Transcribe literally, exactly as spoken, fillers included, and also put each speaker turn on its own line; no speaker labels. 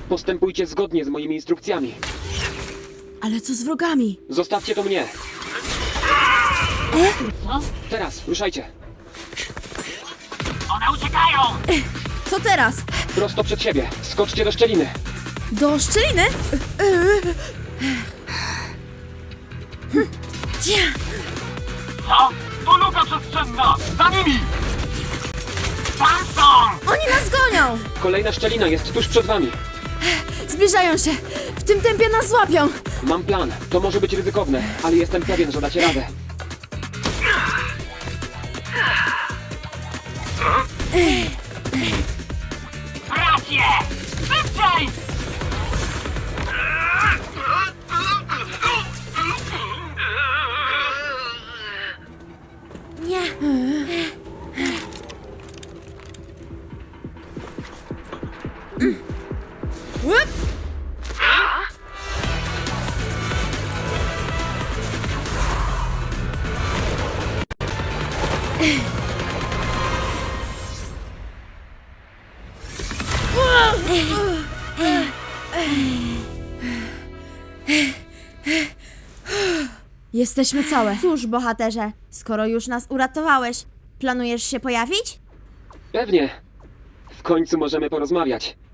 Postępujcie zgodnie z moimi instrukcjami.
Ale co z wrogami?
Zostawcie to mnie.
E?
Teraz, ruszajcie.
One uciekają!
Co teraz?
Prosto przed siebie. Skoczcie do szczeliny.
Do szczeliny? Hm. Cia.
Co? To luka przestrzenna! Za nimi! Tam są!
Oni nas gonią!
Kolejna szczelina jest tuż przed wami.
Zbliżają się! W tym tempie nas złapią!
Mam plan. To może być ryzykowne, ale jestem pewien, że dacie radę.
Brać je! Szybciej!
Nie. Łup! Jesteśmy całe.
Cóż, bohaterze, skoro już nas uratowałeś, planujesz się pojawić?
Pewnie. W końcu możemy porozmawiać.